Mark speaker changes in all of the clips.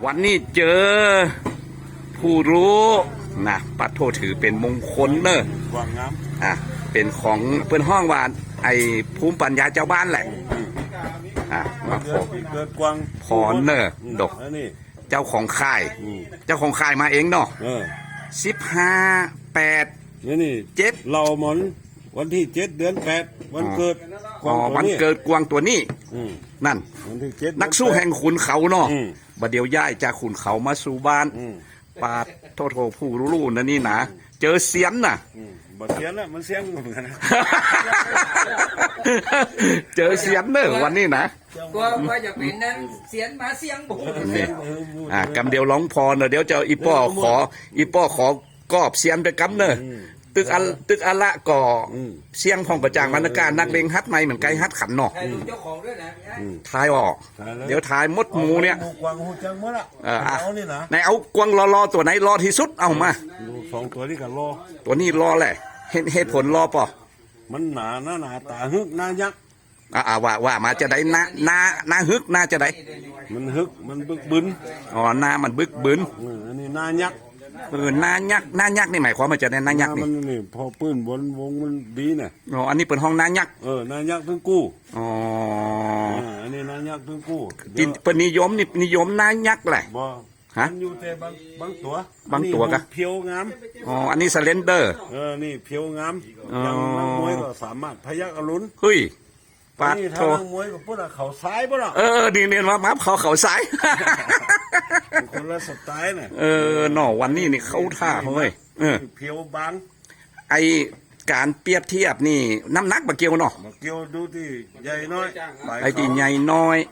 Speaker 1: วันนี้เจอผู้รู้นะปัดโทถือเป็นมงคลเนอะ
Speaker 2: กวางงาม
Speaker 1: เป็นของเพื่อนห้องวานไอภูมิปัญญาเจ้าบ้านแหละมาขอ
Speaker 2: เกิดกวาง
Speaker 1: พรเนอะดกเจ้าของค่ายเจ้าของค่ายมาเองเนาะ15/8
Speaker 2: นี่7เราหมอนวันที่7 เดือน 8วันเกิด
Speaker 1: วันเกิดกวางตัวนี้นั่น
Speaker 2: วันที่7
Speaker 1: นักสู้แห่งขุนเขาเนาะบัดเดียวย้ายจากขุนเขามาสู่บ้านปาดโทษผู้รู้ๆนั่นนี่นะเจอเสียนน่ะ
Speaker 2: บ่เสียนน่ะมันเสียงเหมือนกันนะ
Speaker 1: เจอเสียนเนอะวันนี้นะ
Speaker 3: ก็จะเป็นนั้นเสียนมาเสียงบุ
Speaker 1: กำเดียวร้องพรเนอะเดี๋ยวเจ้าอีป้อขอกอบเสียนไปกำเนอะตึกอัลละก่อเสียงพองกระจ่างบรรณาการนักเลงฮัดไม่เหมือนไก่ฮัดขันเนาะทายออกเดี๋ยวทายมดหมูเนี่ย
Speaker 2: กวางหูจังเมื่อละเอานี่นะ
Speaker 1: ไหนเอากวางรอตัวไหนรอที่สุดเอามา
Speaker 2: 2ตัวนี้กันรอ
Speaker 1: ตัวนี้รอแหละเหตุผลรอป่ะ
Speaker 2: มันหนาตาฮึกหน้ายักษ์
Speaker 1: ว่ามาจะได้หน้าฮึกหน้าจะได้
Speaker 2: มันฮึกมันบึกบึน
Speaker 1: หน้ามันบึกบึน
Speaker 2: อันนี้หน้ายักษ์
Speaker 1: หน้ายักษ์นี่หมายความว่าจะได้หน้ายักษ์
Speaker 2: นี่พอปื้นบนวงมันดีน่ะ
Speaker 1: อันนี้เป็นห้องหน้ายักษ์
Speaker 2: หน้ายักษ์ถึงกู้อันนี้หน้ายักษ์ถึงกู้
Speaker 1: เป็นนิยมหน้ายักษ์แหละ
Speaker 2: มันอยู่แต่บางตัว
Speaker 1: กัน
Speaker 2: เพียวงาม
Speaker 1: อันนี้สเลนเดอร์
Speaker 2: นี่เพียวงามอย่างนักมวยก็สามารถพยักอรุณ
Speaker 1: เฮ้ย
Speaker 2: ปาดโถนักมวยก็พูดเขาซ้ายป่ะล่ะ
Speaker 1: นี่มาเขาซ้าย
Speaker 2: คนละสไตล์น่ะ
Speaker 1: หน่อวันนี้นี่เข้าท่าเฮ้ย
Speaker 2: เพียวบาง
Speaker 1: ไอการเปรียบเทียบนี่น้ำหนักบะเกียวเนาะ
Speaker 2: บะเกียวดูที่ใหญ่น้อย
Speaker 1: ไอที่ใหญ่น้อย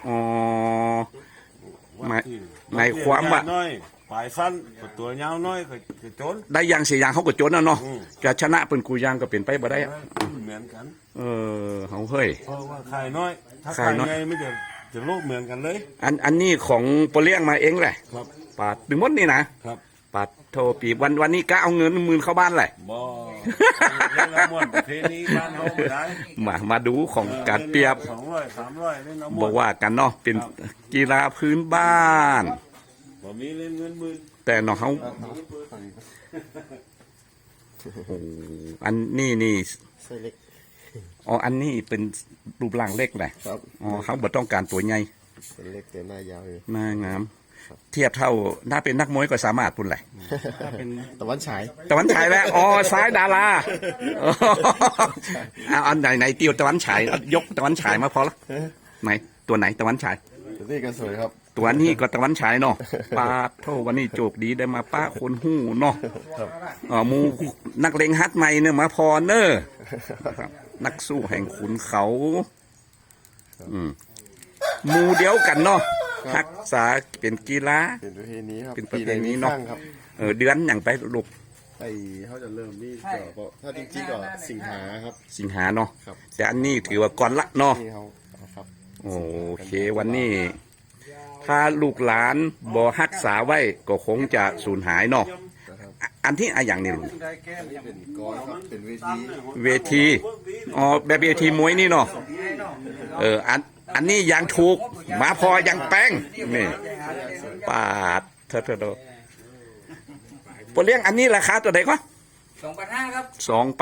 Speaker 1: ในความว่า
Speaker 2: ปลายสั้นตัวยาวน้อยก็โจน
Speaker 1: ได้ยังเสียยังเขาก็โจนนะเนาะจะชนะเป็นกูยังก็เป็นไปบ่ได้
Speaker 2: เหมือนกัน
Speaker 1: เขาเฮ้ย
Speaker 2: เพราะว่าขายน้อยถ้าขายไงไม่จะโลกเหมือนกันเลย
Speaker 1: อันนี้ของโปเลี้ยงมาเองแหละ
Speaker 2: ครับ
Speaker 1: ปาดดึงมดนี่นะครับปาดโทปีวันนี้ก็เอาเงิน10,000เข้าบ้านแหละ
Speaker 2: บ่เล่นละม่วนประเพณีบ้านเฮาได้
Speaker 1: มาดูของการเปรียบ
Speaker 2: 200 300เล่นละม่วน
Speaker 1: บอกว่ากันเนาะเป็นกีฬาพื้นบ้าน
Speaker 2: บ่มีเล่นเงินหมื่น
Speaker 1: แต่เนาะเขาอันนี้
Speaker 3: ไซเล็ก
Speaker 1: อันนี้เป็นรูปร่างเล็กแหละเขาบ่ต้องการตัวใหญ่
Speaker 3: เล็กแต่หน้ายาว
Speaker 1: หน้างามเทียบเท่าถ้าเป็นนักมวยก็สามารถปุ่นแหละ
Speaker 3: เป็นตะวันฉาย
Speaker 1: แล้วซ้ายดาราอันไหนเตียวตะวันฉายยกตะวันฉายมาพอละไหนตัวไหนตะวันฉาย
Speaker 3: ตัวนี้ก็สวยครับ
Speaker 1: ตัวนี้ก็ตะวันฉายเนาะป้าโทวันนี้โจกดีได้มาป้าคนหู้เนาะมูนักเลงฮัดใหม่เนี่ยมาพอเนอนักสู้แห่งขุนเขามูเดียวกันเนาะทักษะเป็นกีฬา
Speaker 3: เป็นประเพณีครับ
Speaker 1: เป็นประเพณีเนาะเดือนอย่างไปลูก
Speaker 3: เขาจะเริ่มนี่ก็ถ้าจริงๆก็สิงหาครับ
Speaker 1: สิงหาเนาะแต่อันนี้ถือว่าก่อนละเนาะโอเควันนี้ถ้าลูกหลานบ่รักษาไว้ก็คงจะสูญหายเนาะอันที่อย่างนี้ลูก
Speaker 3: เป็นกรครับเป็น
Speaker 1: เวทีแบบเวทีมวยนี่เนาะอันนี้ยังถูกมาพอยังแป้งนี่ปาดเธอปเลี้ยงอันนี้ราคาตัวไหนก็
Speaker 3: 2,500ครับ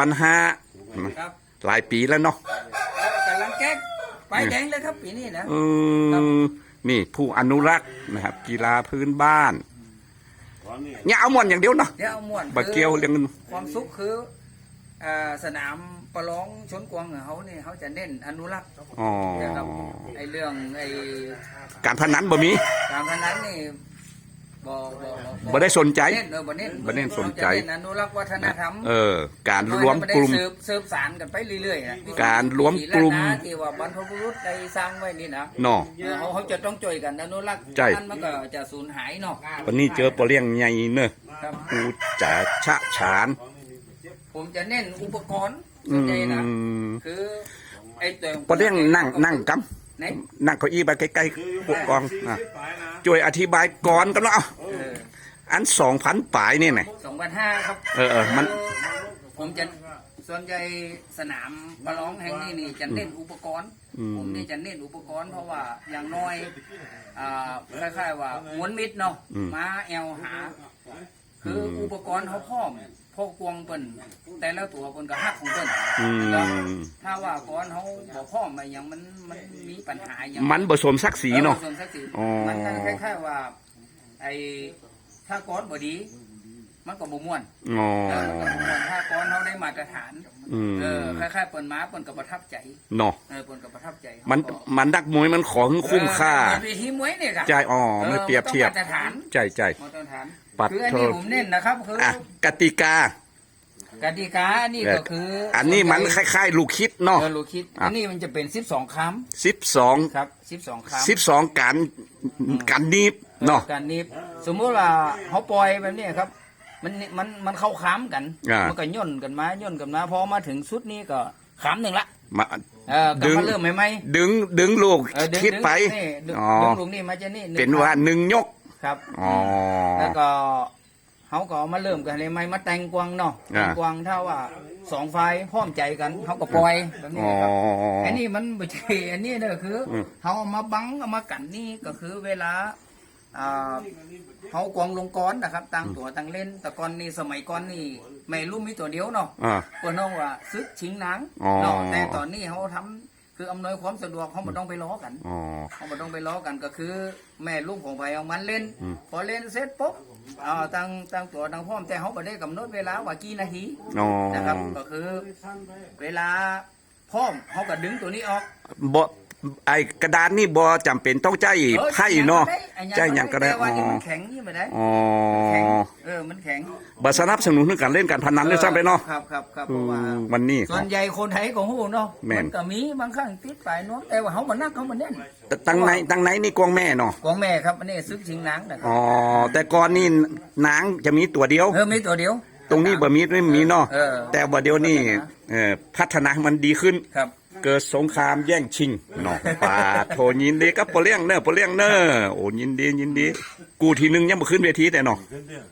Speaker 1: 2,500หลายปีแล้วเนาะ
Speaker 3: กำลังแก๊กไปแดงเลยครับปีนี้นะ
Speaker 1: นี่ผู้อนุรักษ์นะครับกีฬาพื้นบ้านเนี่ยเอาม่วนอย่างเดียวเนาะ
Speaker 3: เอาม่วน
Speaker 1: บะเกียวเรื่อง
Speaker 3: ความสุขคือสนามประลองชนกวางเขาเนี่ยเขาจะเน้นอนุรักษ์ไอเรื่อง
Speaker 1: การพนันบ่มี
Speaker 3: การพนันนี่
Speaker 1: บ่ได้สนใจ
Speaker 3: บ่เน้นสนใจอนุรักษ์วัฒนธรรม
Speaker 1: การรวมกลุ่ม
Speaker 3: เสริมสารกันไปเรื่อย
Speaker 1: ๆการรวมกลุ่ม
Speaker 3: ที่ว่าบรรพบุรุษได้สร้างไว้นี่นะ
Speaker 1: เนาะ
Speaker 3: เขาจะต้องช่วยกันอนุรักษ์มันก็จะสูญหายเนาะ
Speaker 1: วันนี้เจอปลาเลี้ยงใหญ่เนอะกูจะชะฉาน
Speaker 3: ผมจะเน้นอุปกรณ์ส่วนใหญ่นะคือไอ้ตัว
Speaker 1: ปลาเลี้ยงนั่งกำนั่งเก้าอี้ไปใกล้ๆพวกกองช่วยอธิบายก่อนกันเนาะอัน2,000ป่ายนี่ไง
Speaker 3: 2,500ครับ
Speaker 1: มัน
Speaker 3: ผมจะส่วนใหญ่สนามประลองแห่งนี้นี่จะเน้นอุปกรณ์ผมนี่จะเน้นอุปกรณ์เพราะว่าอย่างน้อยคล้ายๆว่าม้วนมิดเนาะม้าแอลหา คืออุปกรณ์เขาพร้อมพวกกวงเปิ้นแต่ละตัวเปิ้นก็ฮักของเปิ้นแล้วถ้าว่าก่อนเขาบ่พร้อมอะไรอย่างมันมีปัญหาอย่าง
Speaker 1: มันผสมศักดิ์ศรีเนาะ
Speaker 3: ผสมศักดิ์ศรีมันก็คล้ายๆว่าไอ้ถ้าก้อนบ่ดีมันก็บ่ม่วนถ้าก้อนเขาได้มาตรฐานคล้ายๆเปิ้นมาเปิ้นก็ประทับใจ
Speaker 1: เนาะ
Speaker 3: เปิ้นก็ประทับใจ
Speaker 1: มันดักมวยมันของคุ้มค่า
Speaker 3: วิธีมวยเนี่ยค่ะ
Speaker 1: ใจไม่เปรียบเทียบ
Speaker 3: มาตรฐาน
Speaker 1: ใจ
Speaker 3: มาตรฐานคืออันนี้ผมเน้นนะครับคื
Speaker 1: อกติกา
Speaker 3: นี่ก็คือ
Speaker 1: อันนี้มันคล้ายๆลูกคิดเนาะ
Speaker 3: ลูกคิดอันนี้มันจะเป็น12คำ
Speaker 1: 12
Speaker 3: ครับ12คำ
Speaker 1: 12การนีบเนาะ
Speaker 3: การนีบสมมุติว่าเขาปล่อยแบบนี้ครับมันเข้าค้ำกันมันก็ย่นกันมาพอมาถึงสุดนี้ก็ค้ำหนึ่งละดึงเริ่มไหม
Speaker 1: ดึงลูกคิดไป
Speaker 3: ดึงลูกนี่มาจะนี่
Speaker 1: เป็นว่า1ยก
Speaker 3: ครับแล้วก็เขาก็มาเริ่มกันเลยไหมมาแต่งกวางเนาะกวางถ้าว่า2ฝ่ายพร้อมใจกันเขาก็ปล่อยแบบนี้ครับอันนี้มันไม่ใช่อันนี้เนี่ยคือเขาเอามาบังเอามากันนี่ก็คือเวลาเขากวางลงก้อนนะครับตั้งตัวตั้งเล่นแต่ก่อนนี่สมัยก่อนนี่ไม่รู้มีตัวเดียวเนาะก็น้องว่าซึกชิงหนังเนาะแต่ตอนนี้เขาทำคืออำนวยความสะดวกเขาไม่ต้องไปล้อกันเขาไม่ต้องไปล้อกันก็คือแม่ลูกของไปเอามันเล่นพอเล่นเสร็จปุ๊บตั้งตัวตั้งพร้อมแต่เขาไม่ได้กำหนดเวลาว่ากี่นาทีนะครับก็คือเวลาพร้อมเขาก็ดึงตัวนี้ออก
Speaker 1: บ่ไอ้กระดานนี่บ่จำเป็นต้องใจไพ่เนาะใจอย่างก็ได้
Speaker 3: แต่ว่านี่มันแข็งนี่ไม่ได้มันแข็ง
Speaker 1: บ่สนับสนุนการเล่นการพนันด้วยซ้ำไปเนาะ
Speaker 3: ครับเพราะว่า
Speaker 1: วันนี้
Speaker 3: ส่วนใหญ่คนไทยก็ฮู้เนาะมันก็มีบางครั้งติดปลายนวมแต่ว่าเขามานักเขามาเน้น
Speaker 1: ตั้งไหนนี่กวางแม่เนาะ
Speaker 3: กวางแม่ครับอันนี้ซึกชิงนางนะครับ
Speaker 1: แต่ก่อนนี่นางจะมีตัวเดียว
Speaker 3: มีตัวเดียว
Speaker 1: ตรงนี้บ่มีเนาะแต่บ่เดียวนี่พัฒนามันดีขึ้นเกิดสงครามแย่งชิงเนาะป่าโทยินดีกับปอเลี้ยงเนอโอ้ยินดีกูทีนึงยังบ่ขึ้นเวทีแต่เนาะ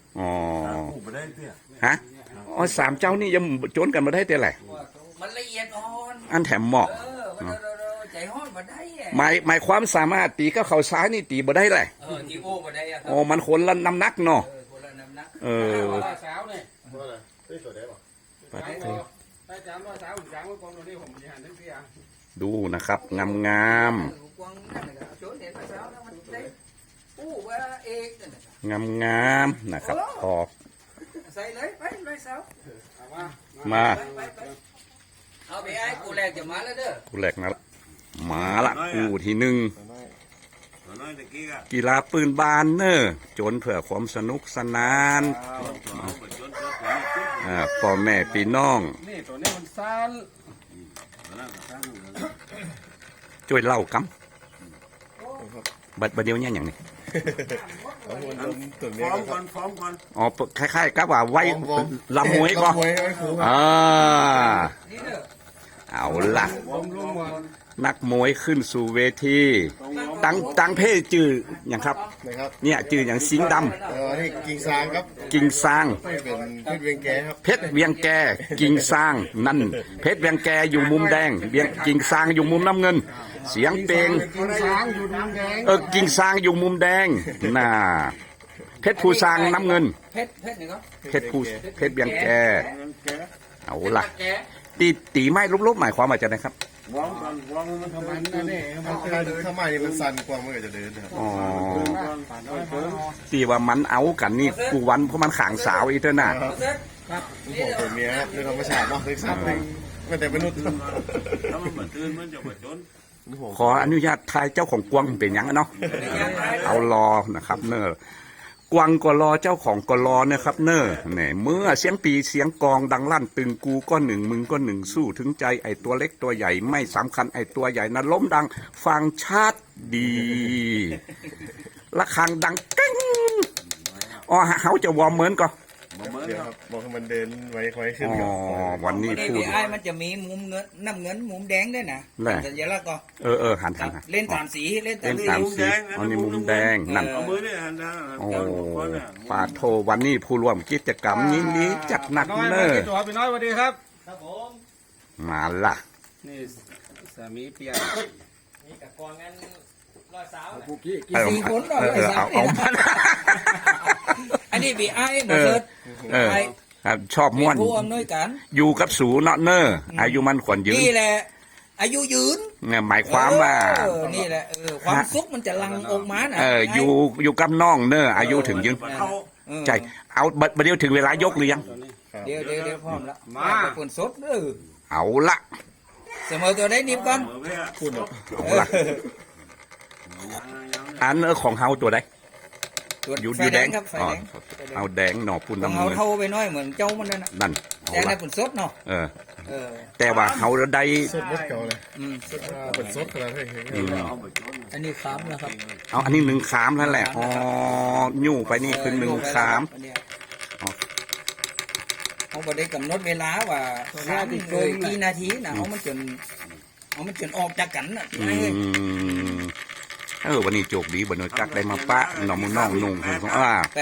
Speaker 1: ฮะ3เจ้านี่ยังโจนกันมาได้แต่ไหน
Speaker 3: มันละเอียดอ่อน
Speaker 1: อันแถมเหมาะ
Speaker 3: ใจฮ้อนบ่ได้
Speaker 1: หมายความสามารถตีก็เข่าซ้ายนี่ตีบ่ได้เลย
Speaker 3: ตีโอ้บ่ได้
Speaker 1: มันคนละน้ำหนักเนาะ
Speaker 3: คนละน้ำหนัก
Speaker 2: สาวนี่
Speaker 1: ดูนะครับงามนะครับพอมา
Speaker 3: เอาไปไอ้กูแหลกจะมาแล้วเด้อ
Speaker 1: กูแหลกนะมาละกูทีหนึ่งกีฬาปืนบานเนอจนเผื่อความสนุกสนานพ่อแม่พี่น้อง
Speaker 2: นี่ตัวนี้มันสั้น
Speaker 1: ช่วยเล่ากำบัดเดียวเนี่ยอย่างนี้
Speaker 2: ฟ้อมก่อน
Speaker 1: คล้ายๆกับว่าไว้ลำมวยก็เอาล่ะนักมวยขึ้นสู่เวทีตั้งเพศจื่ออย่างครับเนี่ยจื่ออย่างสิงห์ด
Speaker 4: ำนี่กิ่งซางครับ
Speaker 1: กิ่งซาง
Speaker 4: เพชรเวียงแกครับ
Speaker 1: เพชรเวียงแกกิ่งซางนั่นเพชรเวียงแกอยู่มุมแดงกิ่งซางอยู่มุมน้ำเงินเสียงเพลง
Speaker 4: กิ่งซางอยู่มุมแดง
Speaker 1: กิ่งซางอยู่มุมแดงน่ะเพชรภูซางน้ำเงินเพชรเวียงแกเอาล่ะตีไม้ลบๆหมายความว่าจะไงครับ
Speaker 2: วางมันทำไมนั่นเอง
Speaker 4: ทำไมมันสั่นกว่ามันก็จะเดินครับ
Speaker 1: ตีว่ามันเอากันนี่กูวันเพราะมันขางสาวอีเท่าน่ะ
Speaker 4: ผมตัวเมียครับในธรรมชาติเนาะเป็นสัตว์ไม่แต่มนุษย์
Speaker 2: ถ้ามันเหมือนตื่นมันจะมาจน
Speaker 1: ขออนุญาตทายเจ้าของกวางเป็นยังเนาะเอารอนะครับเนอกวางก็รอเจ้าของก็รอนะครับเนอเนี่ยเมื่อเสียงปีเสียงกองดังลั่นตึงกูก็หนึ่งมึงก็หนึ่งสู้ถึงใจไอตัวเล็กตัวใหญ่ไม่สำคัญไอตัวใหญ่นั้นล้มดังฟังชัดดีระฆังดังกิ้งเขาจะวอร์มเหมือนก็
Speaker 4: เดี๋ยวครับบอกให้มันเดินไว้ขึ้น
Speaker 1: วันนี้พูด
Speaker 3: ไอ้มันจะมีมุมเงินน้ำเงินมุมแดงด้วยนะสัญลักษณ์ก็
Speaker 1: หัน
Speaker 3: เล่น3สี
Speaker 1: เล่น3สีอันนี้มุมแดงนั่นปาโทวันนี้ผู้ร่วมกิจกรรมนี้จัดหนักเนอ
Speaker 2: ตัวพี่น้อยสวัสดีครับ
Speaker 1: มาละ
Speaker 2: นี่สามีเปีย
Speaker 5: นี่กับกองงั้นร้อยสาว
Speaker 2: ผู้กี้
Speaker 3: กี่สี่คนเนาะ
Speaker 1: เอามา
Speaker 3: อันนี้บีไอ้หมดเลย ไอ้
Speaker 1: ครับชอบม่วน
Speaker 3: ผู้อำนวยการ
Speaker 1: อยู่กับสูเนาะเนออายุมันขวัญยืน
Speaker 3: นี่แหละ อายุยืน
Speaker 1: เนี่ยหมายความว่า
Speaker 3: นี่แหละความสุขมันจะลังออกมานะ
Speaker 1: อยู่กับน้องเนออายุถึงยืนใจเอาบัดเดียวถึงเวลายกหรือยัง
Speaker 3: เดี๋ยวพร้อมแล้วมาปนสดเออ
Speaker 1: เอาละ
Speaker 3: เสมอตัวได้นิบก่อน
Speaker 1: เอาละอันของเฮาตัวใดอยู่แดง
Speaker 3: ครับไฟ
Speaker 1: อ๋อ
Speaker 3: แดง
Speaker 1: เอาแดงหน่อปุ่น
Speaker 3: ของ
Speaker 1: น้ำ
Speaker 3: เขา
Speaker 1: มือ
Speaker 3: เท่าไปน้อยเหมือนเจ้ามันนั่นน่ะ
Speaker 1: นั่นเอา
Speaker 3: แต่ใน
Speaker 1: ละ
Speaker 3: ปนสดเนาะ
Speaker 1: เออ
Speaker 3: เออ
Speaker 1: แต่ว่าเฮาได้
Speaker 4: สดบดเก่าเลย
Speaker 3: สด
Speaker 4: เป็นสดขนาดนี้
Speaker 3: อันนี้ค้ำนะครับ
Speaker 1: เอาอันนี้หนึ่งขามนั่นแหละอ๋อยู่ไปนี่คือหนึ่งขาม
Speaker 3: อันเนี้ย
Speaker 1: อ๋อ
Speaker 3: เขาบอกได้กำหนดเวลาว่าค้ำโดยกี่นาทีนะเอามันจนออกจากกันน่ะ
Speaker 1: วันนี้โจกดีบนนกักได้มาปะหน่อมุน้องนุ่งของ
Speaker 3: แต่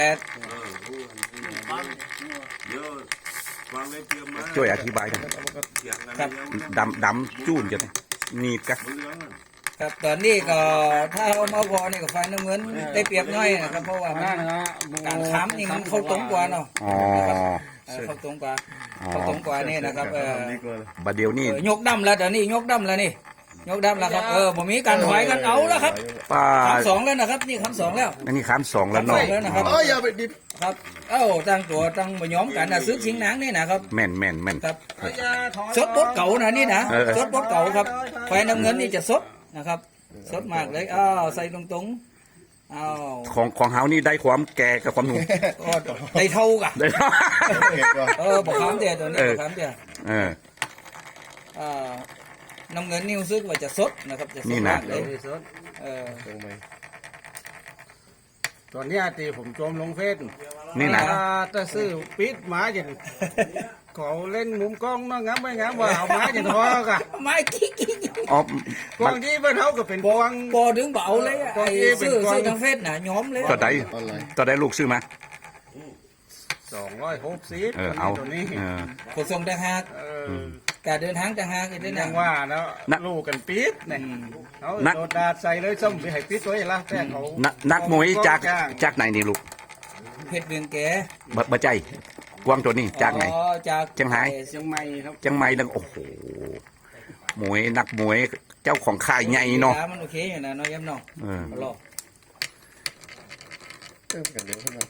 Speaker 1: ช่วยอธิบายกัน
Speaker 3: ครับ
Speaker 1: ดำจูนจะนีดกัน
Speaker 3: ครับตอนนี้ก็ถ้าเอามาพอนี่ก็ไฟน้ำเงินได้เปรียบน้อยนะครับเพราะว่ามันการค้ำนี่มันเข้าตรงกว่าเนาะ
Speaker 1: อ๋อ
Speaker 3: เข้าตรงกว่านี่นะครับ
Speaker 1: บัดเดียวนี่
Speaker 3: ยกดำแล้วเดี๋ยวนี้ยกดำแล้วนี่ยกดำแล้วครับผมมีการถอยกันเอาแล้วครับ
Speaker 1: ป้า
Speaker 3: คำสองแล้วนะครับนี่คำสองแล้ว
Speaker 1: อันนี้ขามสองแล้วเนาะ
Speaker 3: แล้วนะครับ
Speaker 4: อย่าไปดิบ
Speaker 3: ครับตั้งตัวตั้งมาย้อมกันนะซื้อชิงหนังนี่นะครับ
Speaker 1: แม่น
Speaker 3: ครับสดบดเก่านะนี่นะสดบดเก่าครับไฟน้ำเงินนี่จะสดนะครับสดมากเลยใส่ตรง
Speaker 1: ของเฮานี่ได้ความแก่กับความหนุ่ม
Speaker 3: ได้เท่ากัน
Speaker 1: ได้
Speaker 3: บอกคำเดียวตัวนี้บอกคำเดียวน้ำเงินนี่รู้สึกว่าจะสดนะครับจะสดมากเลย
Speaker 2: ตอนนี้ตีผมโจมลงเฟซ
Speaker 1: นี่นะ
Speaker 2: ถ้าซื้อปิดหมาอย่างเขาเล่นมุมกล้องน้องงามไม่งามว่าเอาหมาอย่างทอกะ
Speaker 3: ไม้กิ๊ก
Speaker 1: อ๋อก
Speaker 2: ล้องที่บ้านเขาก็เป็นกล้อง
Speaker 3: บอดึงเบาเลยไอ้ซื้อทางเฟซน่ะย้อมเลย
Speaker 1: ต่อได้ลูกซื้อมา
Speaker 2: 260
Speaker 1: เอา
Speaker 2: ตัวนี้
Speaker 3: ขนส่งต่างหากการเดินทางต่างหากอีกด้วย
Speaker 2: ยั
Speaker 3: นะ
Speaker 2: งว่าแล้วลูกกันปิดเนี่ยเขาโดดดาดใส่เลยส้มไปให้ปิดไว้ละแต่เขา
Speaker 1: นักมวยจากไหนนี่ลูก
Speaker 3: เพชรเวียงแก
Speaker 1: บ่ใจกวางตัวนี้จากไหน
Speaker 3: จาก
Speaker 1: เชียงราย
Speaker 2: เชียงใหม่ครับ
Speaker 1: จังไม่ดังโอ้โหมวยนักมวยเจ้าของค่ายใหญ่เนาะ
Speaker 3: มันโอเคอยู่นะน้อยย้ำน้องรอ
Speaker 4: เติมกันเดี๋ยวขึ้นมา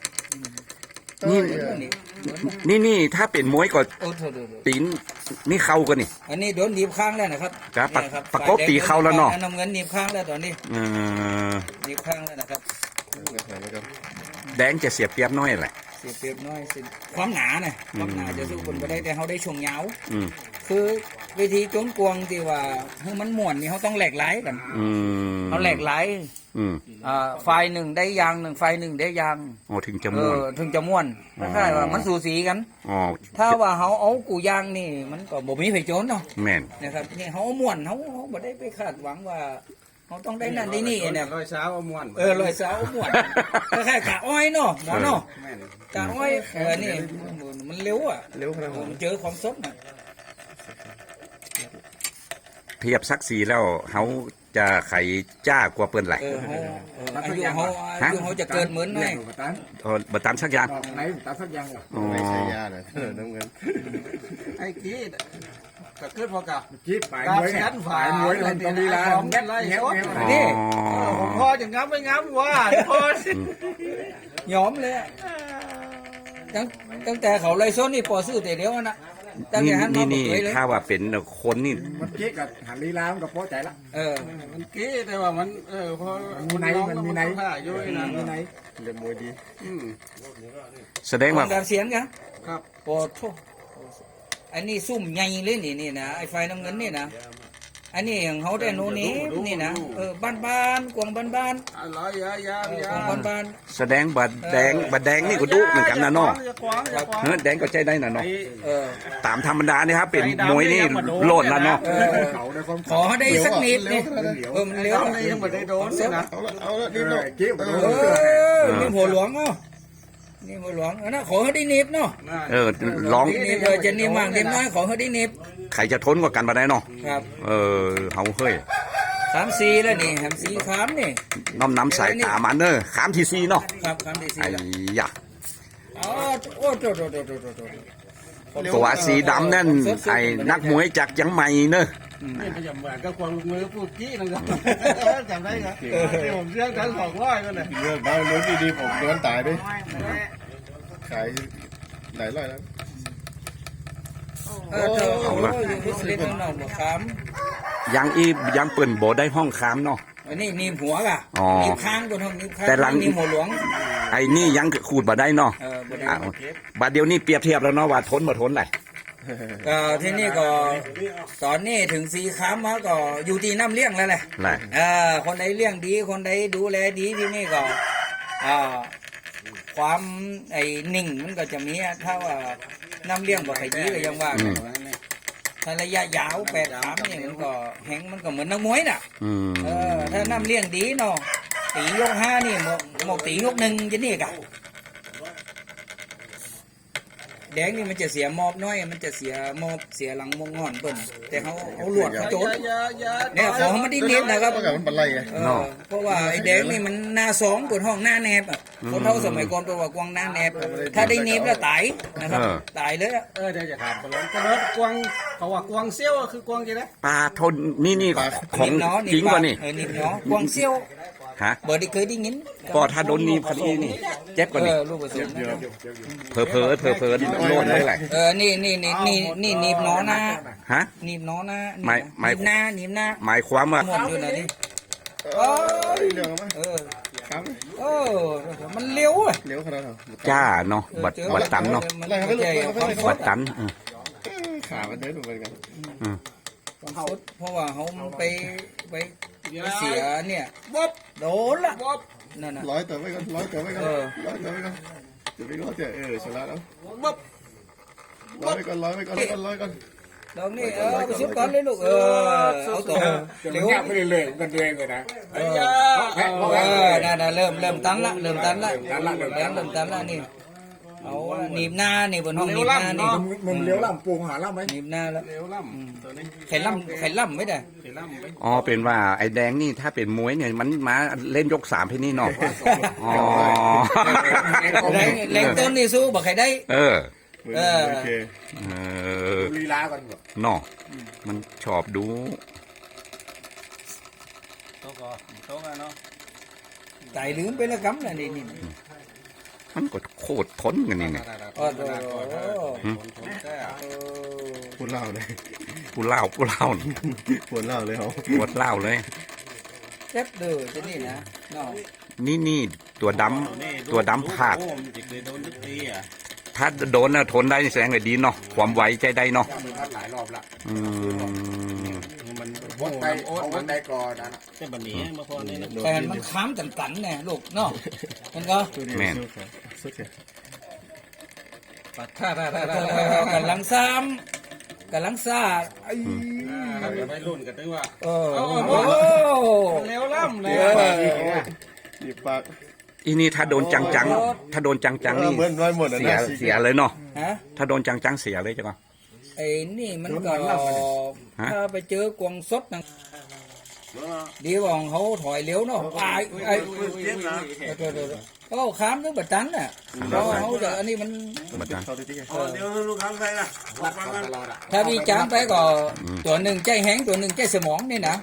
Speaker 1: นี่ถ้าเป็นมวยก็ตีนนี่เข้ากันนี่
Speaker 3: อันนี้โดนหนีบข้างแล้วนะครับ
Speaker 1: ครับประกบตีเข้าแล้วเนาะ
Speaker 3: น้ำเงินหนีบข้างแล้วตอนนี้ หนีบข้างแล้วนะครับ
Speaker 1: แดงจะเสียเปรียบน้อยแหละ
Speaker 3: เสียเปรียบน้อยสิความหนาน่ะความหนาจะสู้คนไปได้แต่เขาได้ช่วงยาว
Speaker 1: อืม
Speaker 3: คือวิธีโจนกวงที่ว่าให้มันม่วนนี่เขาต้องแหลกไหลกัน เขาแหลกไหล ไฟหนึ่งได้ยางหนึ่งไฟหนึ่งได้ยาง
Speaker 1: อ๋อถึงจะม่วน
Speaker 3: ถึงจะม่วนคล้ายๆว่ามันสูสีกัน
Speaker 1: อ๋อ
Speaker 3: ถ้าว่าเขาเอากูยางนี่มันก็บ่มีไฟโจนเนาะ
Speaker 1: แม่น
Speaker 3: นะครับนี่เขาเอาม่วนเขาบ่ได้ไปคาดหวังว่าเขาต้องได้นั่นได้นี่เนี่ย
Speaker 2: ร้อยเช้าเอาม้วน
Speaker 3: ลอยสาวม่วนคล้ายๆกะอ้อยเนาะหมอเนาะกะอ้อยนี่มันเร็วอ่ะ
Speaker 4: เร็วขนาด
Speaker 3: มันเจอความสดน่ะ
Speaker 1: เทียบสักสีแล้วเขาจะไขจ้ากว่าเปิ้นไหล
Speaker 3: อายุเขาจะเกิดเหมือนไง
Speaker 1: บ่ตามสักอย่าง
Speaker 2: ไหนตาสักอย่าง
Speaker 4: ไม่ใช่ยาเลยน้ำเงิน
Speaker 2: ไอ้กี้ก็ขึ้นพอกับ
Speaker 6: คิดฝ่ายมวยเนี่ยฝ่ายมวยมันต้องมีลา
Speaker 2: เงี้ยไรโซด
Speaker 3: นี่
Speaker 2: ผมพอจะงับไม่งับว่าพอ
Speaker 3: ย้อมเลยตั้งแต่เขาไล่ส้นนี่พอซื้อแต่เดียวนะตั้งแต่หันมา
Speaker 1: นี่
Speaker 3: เลยเลย
Speaker 1: ถ้าว่าเป็นคนนี่
Speaker 6: มันคิดกับหันลีลามันก็พอใจละ
Speaker 2: มันกี้แต่ว่ามันพอ
Speaker 6: มันมีไหน
Speaker 2: อยู่นะ
Speaker 6: มีไหน
Speaker 4: เรียนมวยดี
Speaker 1: แสดงว่า
Speaker 3: การเสียงกัน
Speaker 2: ครับ
Speaker 3: โอ้โหอันนี้ซุ่มใหญ่เลยนี่นะไอ้ไฟน้ำเงินนี่นะอันนี้อย่างเขาแต่โน่นนี่นะบ้านกวางบ้าน
Speaker 2: อะไรยาก
Speaker 3: วางบ้าน
Speaker 1: แสดงบัดแดงนี่ก็ดุเหมือนกันนะเนาะแดงก็ใจได้นะเนาะตามธรรมดานี่ครับเป็นมวยนี่โลดแล้วเนาะ
Speaker 3: ขอได้สักนิดนี่มันเลี้ยว
Speaker 2: ยังไม่ได้โดนนะ
Speaker 4: เอาละนี่เนาะ
Speaker 6: คิด
Speaker 3: นี่หัวหลวงเนาะนี่หัวหลวงนะขอเขาได้นิบเนาะ
Speaker 1: ร้อง
Speaker 3: นิบจะนิบมากนิบน้อยขอเขาได้นิบ
Speaker 1: ใครจะทนกว่ากันมาได้เนาะ
Speaker 7: ครับ
Speaker 1: เฮาเฮ้ย
Speaker 7: 3-4แล้วนี่แฮมสีขามนี่
Speaker 1: น้ำสายตามันเนอะขามที่ซีเนาะ
Speaker 7: ครับคำที่
Speaker 1: ไอ้
Speaker 7: 4แล้ว
Speaker 1: ยะ
Speaker 7: อ๋อโอ้โต
Speaker 1: ตัวสีดำนั่นไอ้นักมวยจากยังใหม่เนอะ
Speaker 2: นี่มันจะเหมือนกับควงลูกมือพูดกี้นะครับจำได้ครับที่ผมเรียกกัน200ก็เลย
Speaker 4: เรื่องบ้าเรื่องดีๆผมโดนตายด้วยขายหลายร้อยแล้ว
Speaker 7: เล่นน้องบ่ขาม
Speaker 1: ยังเปิ่นโบได้ห้องค้ามเนาะ
Speaker 7: อันนี้นีบหัวกะ
Speaker 1: อ๋อ
Speaker 7: นีบค้างบนห้องนีบค้าง
Speaker 1: แต่หลัง
Speaker 7: นีบหัวหลวง
Speaker 1: ไอ้นี่ยังขูดมาได้เนาะ
Speaker 7: บ่ได้
Speaker 1: อ้าวบัดเดียวนี้เปรียบเทียบแล้วเนาะว่าทนบ่ทนแหละ
Speaker 7: ที่นี่ก็ตอนนี้ถึงสีขามมาก็อยู่ที่น้ำเลี้ยงแล้วแหละ
Speaker 1: แหละ
Speaker 7: คนใดเลี้ยงดีคนใดดูแลดีที่นี่ก็ความไอ้นิ่งมันก็จะมีถ้าว่าน้ำเลี้ยงบ่ค่อยดีก็ยังว่ากันถ้าระยะยาว8 ขามเนี่ยมันก็แหงมันก็เหมือนนักมวยน่ะ ถ้าน้ำเลี้ยงดีเนาะตียก5นี่หมกตียก1จะนี่กะแดงนี่มันจะเสียมอบน้อยมันจะเสียมอบเสียหลังมงงอนเปิ้นแต่เขาลวดเขาโจดเนี่ยของมันได้เน็ตนะครับ
Speaker 4: ก็มันบันไลไง
Speaker 7: เพราะว่าไอ้แดงนี่มันหน้า2บนห้องหน้าแนบอ่ะคนเท่าสมัยก่อนแปลว่ากวางหน้าแนบถ้าได้เน็บแล้วตายนะครับตายเลยอะ
Speaker 2: เดี๋ยวจะถามกันเลยกระโดดกวางเขาว่ากวางเซี่ยวคือกวางกี่นะ
Speaker 1: ปลาทนนี่ของ
Speaker 7: เนาะ
Speaker 1: จริงป่ะนี่
Speaker 7: นิบเนาะกวางเซี่ยว
Speaker 1: ฮะ
Speaker 7: บ่ได้เคยได้ยิน
Speaker 1: ก็ถ้าโดนนีบคดีนี่เจ็บกว่านี่
Speaker 7: ลูกผสม
Speaker 1: เพอโน่นเลยแหละ
Speaker 7: นี่นิบเนาะนะ
Speaker 1: ฮะ
Speaker 7: นิบเนาะนะ
Speaker 1: ไม่
Speaker 7: นิบหน้า
Speaker 1: หมายความว่า
Speaker 7: หมดอยู่นะนี่
Speaker 4: เรื่องมั้ยครับ
Speaker 7: มันเลี้ยวอ่ะ
Speaker 4: เลี้ยวขนาดนั้น
Speaker 1: จ้าเนาะบัดตันเนาะ
Speaker 7: มันไม่ใช่ความส
Speaker 1: บั
Speaker 7: ด
Speaker 1: ดตัน
Speaker 4: ขามันเดินเหมือนกัน
Speaker 7: ความสดเพราะว่าเขาไปเสียเนี่ยโดนละนั่นน่ะ
Speaker 4: ร้อยตัวไว้ก่อนร้อยตัวไว้ก่อนร้อยตัวไว้ก่อนจะไปร้อยเจ้ชนะแล้วร้อยไว้ก่อนร้อยไว้ก่อนร้อยก่อน
Speaker 7: ดอกนี่ไปซุปก่อนเลยลูกเอาตัวเร็ว
Speaker 6: ไม่ได้เลยกันตัวเองเลยนะ
Speaker 7: นั่นเริ่มตันละเริ่มตันละนี่เอาหนีบหน้านี่บนห้องหนีบหน้านี่
Speaker 6: มึงเลี้ยวล่ำปูหาล่ำไหม
Speaker 7: หนีบหน้าแล้ว
Speaker 2: เร็วล่ำตัวนี้
Speaker 7: ไข่ล่ำไม่ได้
Speaker 2: เร็วล่ำไป
Speaker 1: อ๋อเป็นว่าไอ้แดงนี่ถ้าเป็นมวยเนี่ยมันมาเล่นยก3ให้นี่เนาะอ๋อ
Speaker 7: แรงต้นนี่สู้บอกใครได้
Speaker 4: โอเค
Speaker 6: ลีลากันหมด
Speaker 1: เนาะมันชอบดู
Speaker 2: โต๊ะก่อนโต๊ะกันเนาะ
Speaker 7: ตายลืมไปแล้วกำน่ะนี่
Speaker 1: มันก็โคตรทนกันนี่เนี่ย
Speaker 7: โอ้โห
Speaker 4: พูดเล่าเลย
Speaker 1: กูเล่า
Speaker 4: พูดเล่าเลยเขา
Speaker 1: ปวดเล่าเลย
Speaker 7: เจ็บเด้อจะนี่นะเนาะ
Speaker 1: นี่ตัวดำผาด
Speaker 2: มันจะเคยโดนทุกทีอ่ะ
Speaker 1: ถ้าโดนน่ะทนได้แสดงว่าดีเนาะความไวใจได้เนาะ
Speaker 6: มันพัดหลายรอบละ
Speaker 2: มัน
Speaker 6: วนไปวนไปก่อนนะ
Speaker 2: จะบันนี้มาพอนี่นะ
Speaker 7: แต่มันค้ำตันเนี่ยลูกเนาะมันก็
Speaker 1: แม่น
Speaker 4: สุดแค่
Speaker 2: ปัดท่า
Speaker 7: กำลังซ่าไอ้
Speaker 2: จะไปรุ่นกันด้วยว่า
Speaker 7: โอ้
Speaker 2: เร็วล่ำเลย
Speaker 4: หยิบปาก
Speaker 1: อีนี่ถ้าโดนจังนี่
Speaker 4: เหมือนร้อยหมดนะ
Speaker 1: เสียเลยเนาะ
Speaker 7: ฮะ
Speaker 1: ถ้าโดนจังเสียเลยจ้ะก็
Speaker 7: ไอ้นี่มันก็ถ้าไปเจอกวางสดนะดีว่าของเขาถอยเลี้ยวเนาะไอ้โอ้ค้ามนึกบัดตันน่ะเพราะเขาจะอันนี้มัน
Speaker 1: บัดนั้น
Speaker 4: เขาดีที่
Speaker 2: เดี๋ยวลูกค้าใครล่ะ
Speaker 6: วัดกันตลอดอ่ะ
Speaker 7: ถ้ามีจานไปก็ตัวหนึ่งใจแห้งตัวหนึ่งใจสมองนี่นะ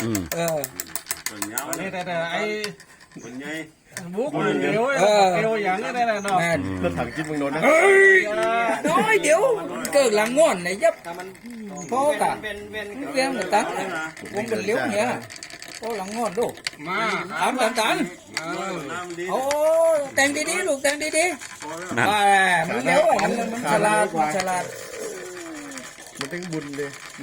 Speaker 2: นี่แต่ไอ้บุ๊กเร็วเร็วอย่างนี้ได้เนาะ
Speaker 7: แม่น
Speaker 4: รถถังจิ้มมึงโดนนะ
Speaker 7: น้อยเดี๋ยวเกิดหลังง่อนไหนยับพ่อกะเลี้ยงบัดตันวงเป็นเลี้ยวเนี่ยพ่อหลังง่อนดู
Speaker 2: มา
Speaker 7: ตันโอ้แต่งดีๆลูกแต่งดี
Speaker 1: นั่น
Speaker 7: ๆว่ามันเลี้ยวมันฉลาด
Speaker 4: มันต้องบุญเลย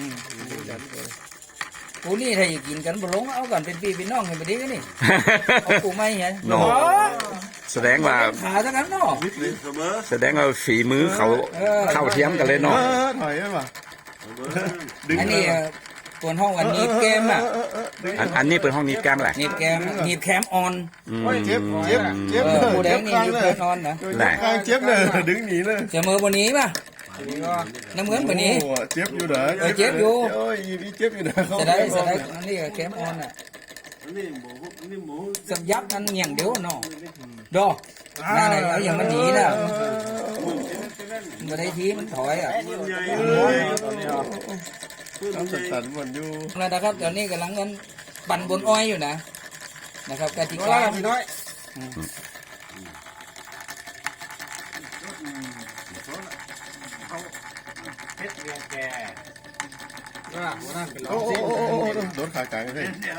Speaker 7: กูนี่ถ้าอยากกินกันบ่ลงเอากันเป็นพี่เป็นน้องกันบ่ดีกันนี่เอากูไม่ไง
Speaker 1: เนาะแสดงว่า
Speaker 7: ขาซะกันเนาะ
Speaker 1: ฝีมือเขาเข้าเทียมกันเลยเนาะ
Speaker 4: ถอยได้ป่ะ
Speaker 7: อันนี้ตัวห้องอันนี้แกมอ่ะ
Speaker 1: อันนี้เป็นห้องนี้แก้มแหละ
Speaker 7: หนีบแคมออน
Speaker 4: เจ็บ
Speaker 7: ผู้แดงนี่หนีบแคมออนนะ
Speaker 4: กลางเจ็บเลยดึงหนีเลย
Speaker 7: เสมอวันนี้ป่ะ
Speaker 2: นี่ก็
Speaker 7: น้ำเหมือนแบบนี้
Speaker 4: โอ้เจ็บอยู่เหรอ
Speaker 7: เจ็บอยู่
Speaker 4: โอ้ยมีเจ็บอยู่นะ
Speaker 7: จะได้อันนี้ก็แคมออนอ่ะสับยับมันอย่างเดียวเนาะดอกนั่นแหละเอาอย่างมันหนีน่ะมาได้ทีมันถอยอ่ะ
Speaker 4: ต้องสั่นๆมันอยู่
Speaker 7: แล้วนะครับตอนนี้กำลังกันปั่นบนอ้อยอยู่นะครับกติ
Speaker 2: น้
Speaker 7: กา
Speaker 2: อยพี่น้อย
Speaker 5: เพชรเรียงแก
Speaker 2: ว่าหัวนั่นเป็น
Speaker 4: โอ้
Speaker 2: เรา
Speaker 4: โอ้
Speaker 2: สิ
Speaker 4: โอ้โดนขากลางเลย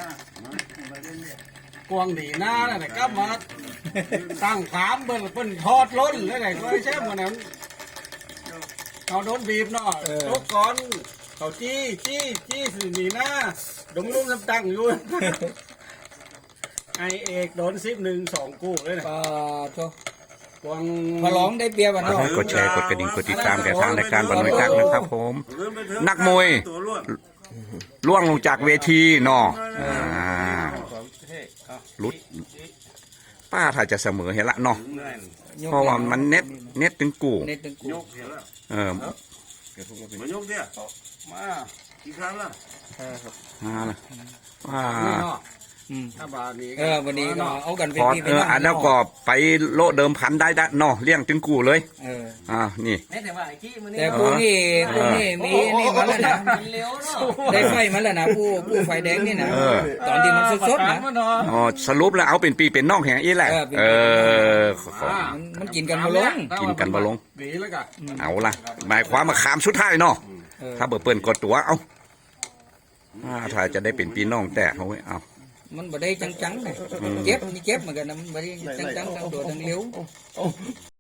Speaker 2: กวางดีหน้าแล้วนะก็มาตั้งขามเปิ้นทอดล้นแล้วไหนก็ใช่เหมือนนั้นเขาโดนบีบเนาะทุกก่อนเขาจี้สิหนีหน้าดมลุ่มตั้งอยู่ไอเอกโดน10-1-2กู้เลยนะ
Speaker 7: ก็โช
Speaker 2: กวาง
Speaker 7: มาร้องได้เปรียบอ่ะเนาะ
Speaker 1: กดแชร์กดกระดิ่งกดติดตามแก่ทางรายการบรรณวิทักษ์นะครับผม นักมวยล่วงลงจากเวทีเนาะลุดป้าถ้าจะเสมอเห็นละเนาะเพราะว่ามันเน็ตถึงกู
Speaker 7: เน็ตตึงกู
Speaker 1: เออ
Speaker 6: มายกเนี่ย
Speaker 2: มา
Speaker 6: กี่ครั้งละ
Speaker 1: มาละว่า
Speaker 2: นี่เนาะ
Speaker 7: อืม
Speaker 2: ถ้าบานี้
Speaker 7: วันนี้ก็เอากันเป็น
Speaker 1: พอ
Speaker 7: พี่เป็นน้อง
Speaker 1: แล้วก็ไปโลเดิมพันได้เนาะเลี้ยงถึงกูเลยนี่
Speaker 5: แต่ว่าไอ้ขี้มันนี่
Speaker 7: แต่ผู้นี่มีนี่มาแล้วนะ
Speaker 5: มันเร็วเนาะ
Speaker 7: ได้ไฟมาแล้วนะผู้ไฟแดงนี่นะตอนที่มันสดๆนะ
Speaker 1: อ๋อสรุปแล้วเอาเป็นปีเป็นน้องแห่งอีแหละ
Speaker 7: มันกินกันมาลง
Speaker 1: กินกันบ่ลง
Speaker 2: ดีแล้วกัน
Speaker 1: เอาละหมายความมาขามสุดท้ายเนาะถ้าเปิดกดตัวเอาถ้าจะได้เป็นปีน้องแต่เขาเอา
Speaker 7: มันบ่ได้จังๆเลยเจ็บเหมือนกันนะมันบ่ได้จังๆทั้งตัวทั้งเลี้ยว